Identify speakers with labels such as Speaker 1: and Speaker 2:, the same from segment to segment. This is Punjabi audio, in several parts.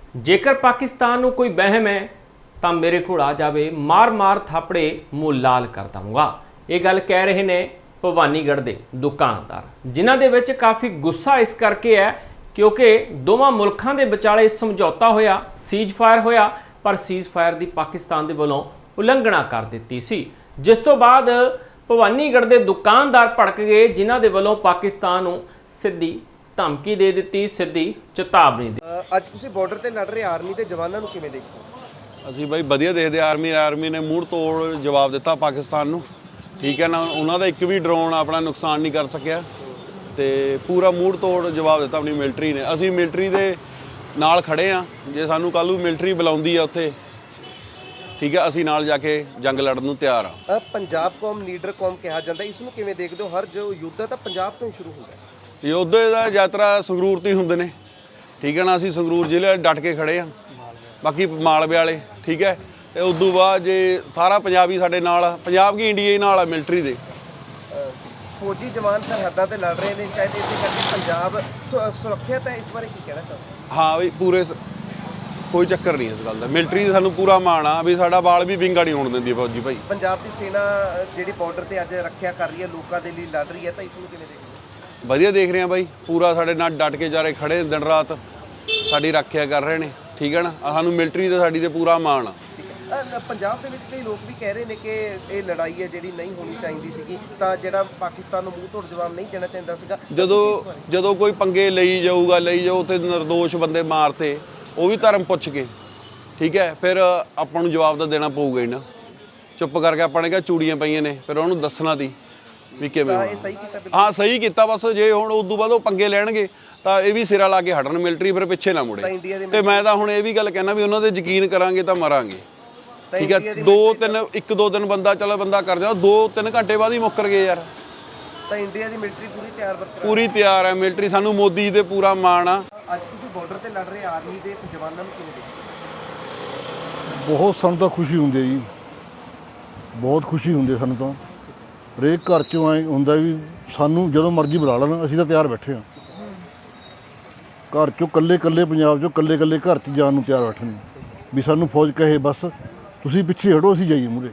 Speaker 1: ਜੇਕਰ ਪਾਕਿਸਤਾਨ ਨੂੰ ਕੋਈ ਵਹਿਮ ਹੈ ਤਾਂ ਮੇਰੇ ਕੋਲ ਆ ਜਾਵੇ, ਮਾਰ ਮਾਰ ਥਾਪੜੇ ਮੂੰਹ ਲਾਲ ਕਰ ਦਵਾਂਗਾ। ਇਹ ਗੱਲ ਕਹਿ ਰਹੇ ਨੇ ਭਵਾਨੀਗੜ੍ਹ ਦੇ ਦੁਕਾਨਦਾਰ, ਜਿਨ੍ਹਾਂ ਦੇ ਵਿੱਚ ਕਾਫੀ ਗੁੱਸਾ ਇਸ ਕਰਕੇ ਹੈ ਕਿਉਂਕਿ ਦੋਵਾਂ ਮੁਲਕਾਂ ਦੇ ਵਿਚਾਲੇ ਸਮਝੌਤਾ ਹੋਇਆ, ਸੀਜ਼ ਫਾਇਰ ਹੋਇਆ, ਪਰ ਸੀਜ਼ ਫਾਇਰ ਦੀ ਪਾਕਿਸਤਾਨ ਦੇ ਵੱਲੋਂ ਉਲੰਘਣਾ ਕਰ ਦਿੱਤੀ ਸੀ, ਜਿਸ ਤੋਂ ਬਾਅਦ ਭਵਾਨੀਗੜ੍ਹ ਦੇ ਦੁਕਾਨਦਾਰ ਭੜਕ ਗਏ, ਜਿਨ੍ਹਾਂ ਦੇ ਵੱਲੋਂ ਪਾਕਿਸਤਾਨ ਨੂੰ ਸਿੱਧੀ ਧਮਕੀ ਦੇ ਦਿੱਤੀ, ਸਿੱਧੀ ਚੇਤਾਵਨੀ ਦੇ।
Speaker 2: ਅੱਜ ਤੁਸੀਂ ਬਾਰਡਰ ਤੇ ਲੜ ਰਹੇ ਆਰਮੀ ਦੇ ਜਵਾਨਾਂ ਨੂੰ ਕਿਵੇਂ ਦੇਖਦੇ ਹੋ?
Speaker 3: ਅਸੀਂ ਬਾਈ ਵਧੀਆ ਦੇਖਦੇ। ਆਰਮੀ ਨੇ ਮੂੰਹ ਤੋੜ ਜਵਾਬ ਦਿੱਤਾ ਪਾਕਿਸਤਾਨ ਨੂੰ, ਠੀਕ ਹੈ ਨਾ। ਉਹਨਾਂ ਦਾ ਇੱਕ ਵੀ ਡਰੋਨ ਆਪਣਾ ਨੁਕਸਾਨ ਨਹੀਂ ਕਰ ਸਕਿਆ ਤੇ ਪੂਰਾ ਮੂੰਹ ਤੋੜ ਜਵਾਬ ਦਿੱਤਾ ਆਪਣੀ ਮਿਲਟਰੀ ਨੇ। ਅਸੀਂ ਮਿਲਟਰੀ ਦੇ ਨਾਲ ਖੜੇ ਆ, ਜੇ ਸਾਨੂੰ ਕੱਲ੍ਹ ਨੂੰ ਮਿਲਟਰੀ ਬੁਲਾਉਂਦੀ ਆ ਉੱਥੇ, ਠੀਕ ਹੈ, ਅਸੀਂ ਨਾਲ ਜਾ ਕੇ ਜੰਗ ਲੜਨ ਨੂੰ ਤਿਆਰ ਆ।
Speaker 2: ਪੰਜਾਬ ਕੌਮ ਲੀਡਰ ਕੌਮ ਕਿਹਾ ਜਾਂਦਾ, ਇਸ ਨੂੰ ਕਿਵੇਂ ਦੇਖਦੇ ਹੋ? ਹਰ ਜੋ ਯੁੱਧ ਤਾਂ ਪੰਜਾਬ ਤੋਂ ਹੀ ਸ਼ੁਰੂ ਹੁੰਦਾ ਹੈ।
Speaker 3: ਯੋਧੇ ਦਾ ਯਾਤਰਾ ਸੰਗਰੂਰ ਤੋਂ ਹੀ ਹੁੰਦੇ ਨੇ, ਠੀਕ ਹੈ ਨਾ। ਅਸੀਂ ਸੰਗਰੂਰ ਜ਼ਿਲ੍ਹੇ ਡਟ ਕੇ ਖੜੇ ਆ, ਬਾਕੀ ਮਾਲਵੇ ਵਾਲੇ, ਠੀਕ ਹੈ। ਤੇ ਉਸ ਤੋਂ ਬਾਅਦ ਜੇ ਸਾਰਾ ਪੰਜਾਬੀ ਸਾਡੇ ਨਾਲ, ਪੰਜਾਬ ਕੀ ਇੰਡੀਆ ਹੀ ਨਾਲ ਆ ਮਿਲਟਰੀ ਦੇ।
Speaker 2: ਫੌਜੀ ਜਵਾਨ ਸਰਹੱਦਾਂ ਤੇ ਲੜ ਰਹੇ ਨੇ, ਸ਼ਾਇਦ ਇਸੇ ਕਰਕੇ ਪੰਜਾਬ ਸੁਰੱਖਿਅਤ ਹੈ। ਇਸ ਬਾਰੇ ਕੀ ਕਹਿਣਾ ਚਾਹੁੰਦੇ?
Speaker 3: ਹਾਂ ਵੀ ਪੂਰੇ ਕੋਈ ਚੱਕਰ ਨਹੀਂ ਇਸ ਗੱਲ ਦਾ। ਮਿਲਟਰੀ ਦਾ ਸਾਨੂੰ ਪੂਰਾ ਮਾਣ ਆ ਵੀ ਸਾਡਾ ਬਾਲ ਵੀ ਵਿੰਗਾ ਨਹੀਂ ਹੋਣ ਦਿੰਦੀ ਫੌਜੀ ਭਾਈ।
Speaker 2: ਪੰਜਾਬ ਦੀ ਸੈਨਾ ਜਿਹੜੀ ਬਾਰਡਰ ਤੇ ਅੱਜ ਰੱਖਿਆ ਕਰ ਰਹੀ ਹੈ, ਲੋਕਾਂ ਦੇ ਲਈ ਲੜ ਰਹੀ ਹੈ, ਤਾਂ ਇਸ ਨੂੰ ਕਿਵੇਂ ਦੇਖਦੇ?
Speaker 3: ਵਧੀਆ ਦੇਖ ਰਹੇ ਆ ਬਾਈ, ਪੂਰਾ ਸਾਡੇ ਨਾਲ ਡਟ ਕੇ ਜਾਰੇ ਖੜੇ ਦਿਨ ਰਾਤ ਸਾਡੀ ਰੱਖਿਆ ਕਰ ਰਹੇ ਨੇ, ਠੀਕ ਹੈ ਨਾ। ਸਾਨੂੰ ਮਿਲਟਰੀ ਦਾ ਸਾਡੀ ਤੇ ਪੂਰਾ ਮਾਣ ਆ।
Speaker 2: ਪੰਜਾਬ ਦੇ ਵਿੱਚ ਕਈ ਲੋਕ ਵੀ ਕਹਿ ਰਹੇ ਨੇ ਕਿ ਇਹ ਲੜਾਈ ਹੈ ਜਿਹੜੀ ਨਹੀਂ ਹੋਣੀ ਚਾਹੀਦੀ ਸੀਗੀ, ਤਾਂ ਜਿਹੜਾ ਪਾਕਿਸਤਾਨ ਨੂੰ ਮੂੰਹ ਤੋੜ ਜਵਾਬ ਨਹੀਂ ਦੇਣਾ ਚਾਹੀਦਾ ਸੀਗਾ।
Speaker 3: ਜਦੋਂ ਕੋਈ ਪੰਗੇ ਲਈ ਜਾਓ ਤੇ ਨਿਰਦੋਸ਼ ਬੰਦੇ ਮਾਰਤੇ, ਉਹ ਵੀ ਧਰਮ ਪੁੱਛ ਕੇ, ਠੀਕ ਹੈ, ਫਿਰ ਆਪਾਂ ਨੂੰ ਜਵਾਬ ਤਾਂ ਦੇਣਾ ਪਊਗਾ ਹੀ ਨਾ। ਚੁੱਪ ਕਰਕੇ ਆਪਾਂ ਨੇ ਕਿਹਾ ਚੂੜੀਆਂ ਪਈਆਂ ਨੇ, ਫਿਰ ਉਹਨੂੰ ਦੱਸਣਾ ਤੀ ਵੀ ਕਿਵੇਂ। ਹਾਂ ਸਹੀ ਕੀਤਾ। ਬਸ ਜੇ ਹੁਣ ਉਸ ਤੋਂ ਬਾਅਦ ਉਹ ਪੰਗੇ ਲੈਣਗੇ ਤਾਂ ਇਹ ਵੀ ਸਿਰਾ ਲਾ ਕੇ ਹਟਣ, ਮਿਲਟਰੀ ਫਿਰ ਪਿੱਛੇ ਨਾ ਮੁੜੇ। ਤੇ ਮੈਂ ਤਾਂ ਹੁਣ ਇਹ ਵੀ ਗੱਲ ਕਹਿਣਾ ਵੀ ਉਹਨਾਂ ਤੇ ਯਕੀਨ ਕਰਾਂਗੇ ਤਾਂ ਮਰਾਂਗੇ, ਠੀਕ ਹੈ। 1-2 ਦਿਨ ਬੰਦਾ ਕਰ ਜਾ, 2-3 ਘੰਟੇ ਬਾਅਦ ਹੀ ਮੁੱਕਰ ਗਏ ਯਾਰ।
Speaker 2: ਤਾਂ ਇੰਡੀਆ ਦੀ ਮਿਲਟਰੀ
Speaker 3: ਪੂਰੀ ਤਿਆਰ ਹੈ ਮਿਲਟਰੀ। ਸਾਨੂੰ ਮੋਦੀ ਜੀ ਤੇ ਪੂਰਾ ਮਾਣ ਆ।
Speaker 2: ਅੱਜ ਤੁਸੀਂ ਬਾਰਡਰ ਤੇ ਲੜ ਰਹੇ ਆਰਮੀ ਦੇ ਜਵਾਨਾਂ ਨੂੰ ਕਿਵੇਂ ਦੇਖਦੇ?
Speaker 4: ਬਹੁਤ ਸਾਨੂੰ ਤਾਂ ਖੁਸ਼ੀ ਹੁੰਦੀ ਹੈ ਜੀ, ਬਹੁਤ ਖੁਸ਼ੀ ਹੁੰਦੀ ਹੈ ਸਾਨੂੰ ਤਾਂ। ਹਰੇਕ ਘਰ 'ਚੋਂ ਐਂ ਹੁੰਦਾ ਵੀ ਸਾਨੂੰ ਜਦੋਂ ਮਰਜ਼ੀ ਬੁਲਾ ਲੈਣ, ਅਸੀਂ ਤਾਂ ਤਿਆਰ ਬੈਠੇ ਹਾਂ। ਘਰ 'ਚੋਂ ਇਕੱਲੇ ਪੰਜਾਬ 'ਚੋਂ ਇਕੱਲੇ ਘਰ 'ਚ ਜਾਣ ਨੂੰ ਤਿਆਰ ਬੈਠੇ ਨੇ ਵੀ ਸਾਨੂੰ ਫੌਜ ਕਹੇ ਬਸ ਤੁਸੀਂ ਪਿੱਛੇ ਹਟੋ, ਅਸੀਂ ਜਾਈਏ ਮੂਹਰੇ।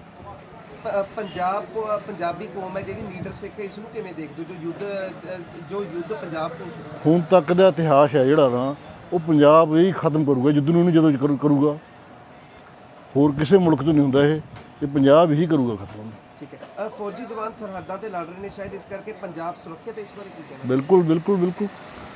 Speaker 2: ਪੰਜਾਬੀ ਕੌਮ ਹੈ ਜਿਹੜੀ ਲੀਡਰ ਸਿੱਖ ਹੈ, ਇਸ ਨੂੰ ਕਿਵੇਂ ਦੇਖਦੇ ਹੋ? ਜੋ ਯੁੱਧ ਪੰਜਾਬ ਤੋਂ
Speaker 4: ਹੁਣ ਤੱਕ ਦਾ ਇਤਿਹਾਸ ਹੈ ਜਿਹੜਾ ਨਾ, ਉਹ ਪੰਜਾਬ ਹੀ ਖਤਮ ਕਰੂਗਾ ਯੁੱਧ ਨੂੰ। ਜਦੋਂ ਕਰੂਗਾ, ਹੋਰ ਕਿਸੇ ਮੁਲਕ ਤੋਂ ਨਹੀਂ ਹੁੰਦਾ ਇਹ ਪੰਜਾਬ ਹੀ ਕਰੂਗਾ ਖਤਮ।
Speaker 2: ਠੀਕ ਹੈ। ਫੌਜੀ ਜਵਾਨ ਸਰਹੱਦਾਂ ਤੇ ਲੜ ਰਹੇ ਨੇ, ਸ਼ਾਇਦ ਇਸ ਕਰਕੇ ਪੰਜਾਬ ਸੁਰੱਖਿਅਤ ਹੈ। ਇਸ ਬਾਰੇ ਕੀ ਕਹਿਣਾ?
Speaker 4: ਬਿਲਕੁਲ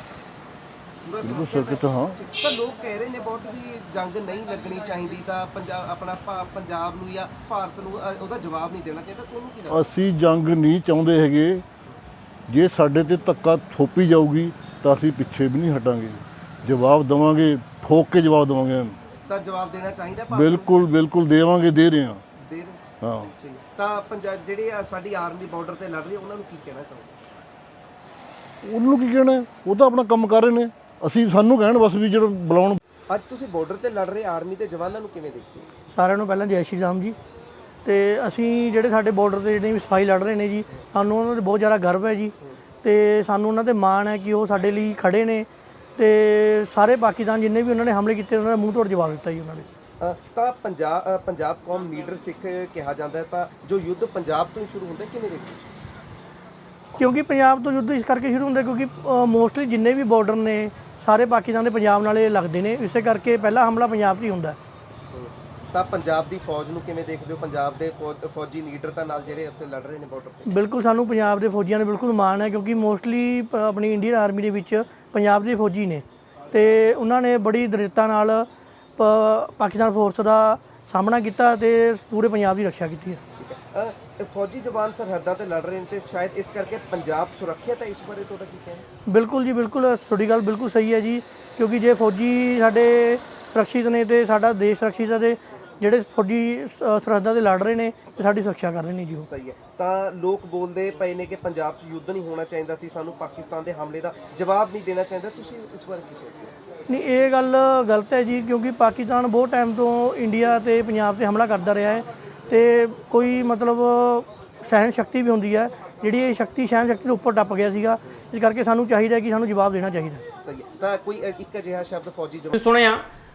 Speaker 4: ਸੁਰੱਖਿਅਤ। ਹਾਂ,
Speaker 2: ਤਾਂ ਲੋਕ ਕਹਿ ਰਹੇ ਨੇ ਬਹੁਤ ਵੀ ਜੰਗ ਨਹੀਂ ਲੱਗਣੀ ਚਾਹੀਦੀ, ਤਾਂ ਪੰਜਾਬ ਨੂੰ ਜਾਂ ਭਾਰਤ ਨੂੰ ਉਹਦਾ ਜਵਾਬ ਨਹੀਂ ਦੇਣਾ ਚਾਹੀਦਾ। ਤੁਹਾਨੂੰ ਕੀ ਲੱਗਦਾ?
Speaker 4: ਅਸੀਂ ਜੰਗ ਨਹੀਂ ਚਾਹੁੰਦੇ ਹੈਗੇ। ਜੇ ਸਾਡੇ ਤੇ ਧੱਕਾ ਥੋਪੀ ਜਾਊਗੀ ਤਾਂ ਅਸੀਂ ਪਿੱਛੇ ਵੀ ਨਹੀਂ ਹਟਾਂਗੇ, ਜਵਾਬ ਦੇਵਾਂਗੇ, ਠੋਕ ਕੇ ਜਵਾਬ ਦੇਵਾਂਗੇ।
Speaker 2: ਤਾਂ ਜਵਾਬ ਦੇਣਾ ਚਾਹੀਦਾ।
Speaker 4: ਬਿਲਕੁਲ ਦੇਵਾਂਗੇ, ਦੇ ਰਹੇ ਹਾਂ। ਹਾਂ,
Speaker 2: ਠੀਕ ਹੈ। ਤਾਂ ਪੰਜਾਬ ਜਿਹੜੀ ਸਾਡੀ ਆਰਮੀ ਬਾਰਡਰ ਤੇ ਲੜ ਰਹੀ ਹੈ, ਉਹਨਾਂ ਨੂੰ ਕੀ ਕਹਿਣਾ ਚਾਹੁੰਦੇ?
Speaker 4: ਉਹਨੂੰ ਕੀ ਕਹਿਣਾ, ਉਹ ਤਾਂ ਆਪਣਾ ਕੰਮ ਕਰ ਰਹੇ ਨੇ। ਅਸੀਂ ਸਾਨੂੰ ਕਹਿਣ ਬਸ ਵੀ ਜਦੋਂ ਬੁਲਾਉਣ।
Speaker 2: ਅੱਜ ਤੁਸੀਂ ਬਾਰਡਰ ਤੇ ਲੜ ਰਹੇ ਆਰਮੀ ਦੇ ਜਵਾਨਾਂ ਨੂੰ ਕਿਵੇਂ ਦੇਖਦੇ ਹੋ?
Speaker 5: ਸਾਰਿਆਂ ਨੂੰ ਪਹਿਲਾਂ ਜੈ ਸ਼੍ਰੀ ਰਾਮ ਜੀ। ਤੇ ਅਸੀਂ ਜਿਹੜੇ ਸਾਡੇ ਬਾਰਡਰ ਤੇ ਜਿਹੜੇ ਸਫਾਈ ਲੜ ਰਹੇ ਨੇ ਜੀ, ਸਾਨੂੰ ਉਹਨਾਂ 'ਤੇ ਬਹੁਤ ਜ਼ਿਆਦਾ ਗਰਵ ਹੈ ਜੀ। ਤੇ ਸਾਨੂੰ ਉਹਨਾਂ 'ਤੇ ਮਾਣ ਹੈ ਕਿ ਉਹ ਸਾਡੇ ਲਈ ਖੜੇ ਨੇ ਤੇ ਸਾਰੇ ਪਾਕਿਸਤਾਨ ਜਿੰਨੇ ਵੀ ਉਹਨਾਂ ਨੇ ਹਮਲੇ ਕੀਤੇ, ਉਹਨਾਂ ਦਾ ਮੂੰਹ ਤੋੜ ਜਵਾਬ ਦਿੱਤਾ ਜੀ ਉਹਨਾਂ ਨੇ।
Speaker 2: ਤਾਂ ਪੰਜਾਬ ਕੌਮ ਲੀਡਰ ਸਿੱਖ ਕਿਹਾ ਜਾਂਦਾ ਹੈ, ਤਾਂ ਜੋ ਯੁੱਧ ਪੰਜਾਬ ਤੋਂ ਹੀ ਸ਼ੁਰੂ ਹੁੰਦਾ, ਕਿਵੇਂ ਦੇਖਦੇ ਹੋ? ਕਿਉਂਕਿ
Speaker 5: ਪੰਜਾਬ ਤੋਂ ਯੁੱਧ ਇਸ ਕਰਕੇ ਸ਼ੁਰੂ ਹੁੰਦਾ ਕਿਉਂਕਿ ਮੋਸਟਲੀ ਜਿੰਨੇ ਵੀ ਬਾਰਡਰ ਨੇ ਸਾਰੇ ਪਾਕਿਸਤਾਨ ਦੇ ਪੰਜਾਬ ਨਾਲੇ ਲੱਗਦੇ ਨੇ, ਇਸੇ ਕਰਕੇ ਪਹਿਲਾ ਹਮਲਾ ਪੰਜਾਬ 'ਚ ਹੀ ਹੁੰਦਾ।
Speaker 2: ਤਾਂ ਪੰਜਾਬ ਦੀ ਫੌਜ ਨੂੰ ਕਿਵੇਂ ਦੇਖਦੇ ਹੋ? ਪੰਜਾਬ ਦੇ ਫੌਜੀ ਲੀਡਰ ਤਾਂ ਨਾਲ ਜਿਹੜੇ ਉੱਥੇ ਲੜ ਰਹੇ ਨੇ ਬਾਰਡਰ ਤੇ।
Speaker 5: ਬਿਲਕੁਲ, ਸਾਨੂੰ ਪੰਜਾਬ ਦੇ ਫੌਜੀਆਂ ਨੇ ਬਿਲਕੁਲ ਮਾਣ ਹੈ ਕਿਉਂਕਿ ਮੋਸਟਲੀ ਆਪਣੀ ਇੰਡੀਅਨ ਆਰਮੀ ਦੇ ਵਿੱਚ ਪੰਜਾਬ ਦੇ ਫੌਜੀ ਨੇ ਤੇ ਉਹਨਾਂ ਨੇ ਬੜੀ ਦ੍ਰਿੜਤਾ ਨਾਲ ਪਾਕਿਸਤਾਨ ਫੋਰਸ ਦਾ ਸਾਹਮਣਾ ਕੀਤਾ ਤੇ ਪੂਰੇ ਪੰਜਾਬ ਦੀ ਰੱਖਿਆ ਕੀਤੀ ਹੈ।
Speaker 2: ਠੀਕ ਹੈ। ਫੌਜੀ ਜਵਾਨ ਸਰਹੱਦਾਂ ਤੇ ਲੜ ਰਹੇ ਨੇ ਤੇ ਸ਼ਾਇਦ ਇਸ ਕਰਕੇ ਪੰਜਾਬ ਸੁਰੱਖਿਅਤ ਹੈ। ਇਸ ਬਾਰੇ ਤੁਹਾਡਾ ਕੀ ਕਹਿਣਾ?
Speaker 5: ਬਿਲਕੁਲ ਜੀ, ਬਿਲਕੁਲ ਤੁਹਾਡੀ ਗੱਲ ਬਿਲਕੁਲ ਸਹੀ ਹੈ ਜੀ, ਕਿਉਂਕਿ ਜੇ ਫੌਜੀ ਸਾਡੇ ਸੁਰੱਖਿਅਤ ਨੇ ਤੇ ਸਾਡਾ ਦੇਸ਼ ਸੁਰੱਖਿਅਤ ਹੈ ਤੇ ਜਿਹੜੇ ਫੌਜੀ ਸਰਹੱਦਾਂ ਤੇ ਲੜ ਰਹੇ ਨੇ ਤੇ ਸਾਡੀ ਸੁਰੱਖਿਆ ਕਰ ਰਹੇ ਨੇ ਜੀ ਉਹ।
Speaker 2: ਸਹੀ ਹੈ। ਤਾਂ ਲੋਕ ਬੋਲਦੇ ਪਏ ਨੇ ਕਿ ਪੰਜਾਬ 'ਚ ਯੁੱਧ ਨਹੀਂ ਹੋਣਾ ਚਾਹੀਦਾ ਸੀ, ਸਾਨੂੰ ਪਾਕਿਸਤਾਨ ਦੇ ਹਮਲੇ ਦਾ ਜਵਾਬ ਨਹੀਂ ਦੇਣਾ ਚਾਹੀਦਾ। ਤੁਸੀਂ ਇਸ ਬਾਰੇ ਕੀ ਸੋਚਦੇ ਹੋ?
Speaker 5: ਨਹੀਂ, ਇਹ ਗੱਲ ਗਲਤ ਹੈ ਜੀ, ਕਿਉਂਕਿ ਪਾਕਿਸਤਾਨ ਬਹੁਤ ਟਾਈਮ ਤੋਂ ਇੰਡੀਆ ਤੇ ਪੰਜਾਬ 'ਤੇ ਹਮਲਾ ਕਰਦਾ ਰਿਹਾ ਹੈ ਤੇ ਕੋਈ ਮਤਲਬ ਸਹਿਣ ਸ਼ਕਤੀ ਵੀ ਹੁੰਦੀ ਹੈ, ਜਿਹੜੀ ਇਹ ਸ਼ਕਤੀ ਸਹਿਣ ਸ਼ਕਤੀ ਤੋਂ ਉੱਪਰ ਟੱਪ ਗਿਆ ਸੀਗਾ। ਇਸ ਕਰਕੇ ਸਾਨੂੰ ਚਾਹੀਦਾ ਕਿ ਸਾਨੂੰ ਜਵਾਬ ਦੇਣਾ ਚਾਹੀਦਾ।
Speaker 2: ਸਹੀ ਹੈ। ਤਾਂ ਕੋਈ ਇੱਕ ਅਜਿਹਾ ਸ਼ਬਦ ਫੌਜੀ ਜਵਾਨ
Speaker 1: ਸੁਣਿਆ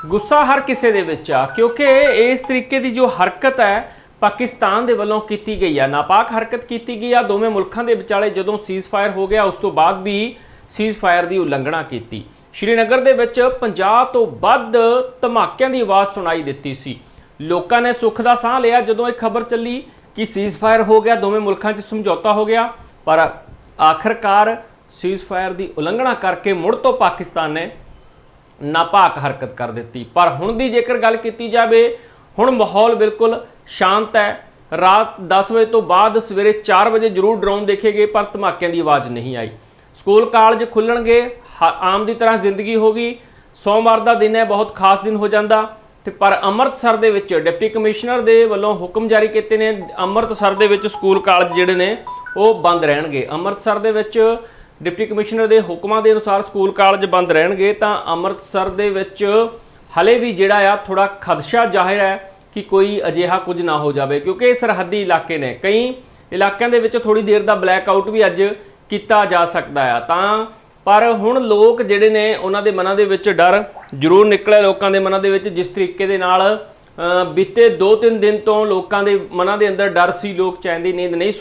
Speaker 1: ਗੁੱਸਾ ਹਰ ਕਿਸੇ ਦੇ ਵਿੱਚ ਆ, ਕਿਉਂਕਿ ਇਸ ਤਰੀਕੇ ਦੀ ਜੋ ਹਰਕਤ ਹੈ ਪਾਕਿਸਤਾਨ ਦੇ ਵੱਲੋਂ ਕੀਤੀ ਗਈ ਆ, ਨਾਪਾਕ ਹਰਕਤ ਕੀਤੀ ਗਈ ਆ ਦੋਵੇਂ ਮੁਲਕਾਂ ਦੇ ਵਿਚਾਲੇ। ਜਦੋਂ ਸੀਜ਼ਫਾਇਰ ਹੋ ਗਿਆ ਉਸ ਤੋਂ ਬਾਅਦ ਵੀ ਸੀਜ਼ਫਾਇਰ ਦੀ ਉਲੰਘਣਾ ਕੀਤੀ। ਸ਼੍ਰੀਨਗਰ ਦੇ ਵਿੱਚ 50 ਤੋਂ ਵੱਧ ਧਮਾਕਿਆਂ ਦੀ ਆਵਾਜ਼ ਸੁਣਾਈ ਦਿੱਤੀ ਸੀ। ਲੋਕਾਂ ਨੇ ਸੁੱਖ ਦਾ ਸਾਹ ਲਿਆ ਜਦੋਂ ਇਹ ਖਬਰ ਚੱਲੀ ਕਿ ਸੀਜ਼ਫਾਇਰ ਹੋ ਗਿਆ, ਦੋਵੇਂ ਮੁਲਕਾਂ 'ਚ ਸਮਝੌਤਾ ਹੋ ਗਿਆ, ਪਰ ਆਖਰਕਾਰ ਸੀਜ਼ਫਾਇਰ ਦੀ ਉਲੰਘਣਾ ਕਰਕੇ ਮੁੜ ਤੋਂ ਪਾਕਿਸਤਾਨ ਨੇ ਨਾਪਾਕ ਹਰਕਤ ਕਰ ਦਿੱਤੀ। ਪਰ ਹੁਣ ਦੀ ਜੇਕਰ ਗੱਲ ਕੀਤੀ ਜਾਵੇ, ਹੁਣ ਮਾਹੌਲ ਬਿਲਕੁਲ ਸ਼ਾਂਤ ਹੈ। ਰਾਤ 10 ਵਜੇ ਤੋਂ ਬਾਅਦ ਸਵੇਰੇ 4 ਵਜੇ ਜ਼ਰੂਰ ਡਰੋਨ ਦੇਖੇ ਗਏ, ਪਰ ਧਮਾਕਿਆਂ ਦੀ ਆਵਾਜ਼ ਨਹੀਂ ਆਈ। ਸਕੂਲ ਕਾਲਜ ਖੁੱਲਣਗੇ, ਆਮ ਦੀ ਤਰ੍ਹਾਂ ਜ਼ਿੰਦਗੀ ਹੋ ਗਈ। ਸੋਮਵਾਰ ਦਾ ਦਿਨ ਹੈ, ਬਹੁਤ ਖਾਸ ਦਿਨ ਹੋ ਜਾਂਦਾ। ਤੇ ਪਰ ਅੰਮ੍ਰਿਤਸਰ ਦੇ ਵਿੱਚ ਡਿਪਟੀ ਕਮਿਸ਼ਨਰ ਦੇ ਵੱਲੋਂ ਹੁਕਮ ਜਾਰੀ ਕੀਤੇ ਨੇ, ਅੰਮ੍ਰਿਤਸਰ ਦੇ ਵਿੱਚ ਸਕੂਲ ਕਾਲਜ ਜਿਹੜੇ ਨੇ ਉਹ ਬੰਦ ਰਹਿਣਗੇ। ਅੰਮ੍ਰਿਤਸਰ ਦੇ ਵਿੱਚ ਡਿਪਟੀ ਕਮਿਸ਼ਨਰ ਦੇ ਹੁਕਮਾਂ ਦੇ ਅਨੁਸਾਰ ਸਕੂਲ ਕਾਲਜ ਬੰਦ ਰਹਿਣਗੇ। ਤਾਂ ਅੰਮ੍ਰਿਤਸਰ ਦੇ ਵਿੱਚ ਹਲੇ ਵੀ ਜਿਹੜਾ ਆ ਥੋੜਾ ਖਦਸ਼ਾ ਜ਼ਾਹਿਰ ਹੈ ਕਿ ਕੋਈ ਅਜਿਹਾ ਕੁਝ ਨਾ ਹੋ ਜਾਵੇ, ਕਿਉਂਕਿ ਇਹ ਸਰਹੱਦੀ ਇਲਾਕੇ ਨੇ। ਕਈ ਇਲਾਕਿਆਂ ਦੇ ਵਿੱਚ ਥੋੜੀ ਦੇਰ ਦਾ ਬਲੈਕ ਆਊਟ ਵੀ ਅੱਜ ਕੀਤਾ ਜਾ ਸਕਦਾ ਆ। ਤਾਂ ਪਰ ਹੁਣ ਲੋਕ ਜਿਹੜੇ ਨੇ ਉਹਨਾਂ ਦੇ ਮਨਾਂ ਦੇ ਵਿੱਚ ਡਰ ਜ਼ਰੂਰ ਨਿਕਲਿਆ, ਲੋਕਾਂ ਦੇ ਮਨਾਂ ਦੇ ਵਿੱਚ। ਜਿਸ ਤਰੀਕੇ ਦੇ ਨਾਲ ਬੀਤੇ 2-3 ਦਿਨ ਤੋਂ ਲੋਕਾਂ ਦੇ ਮਨਾਂ ਦੇ ਅੰਦਰ ਡਰ ਸੀ, ਲੋਕ ਚੈਨ ਦੀ ਨੀਂਦ ਨਹੀਂ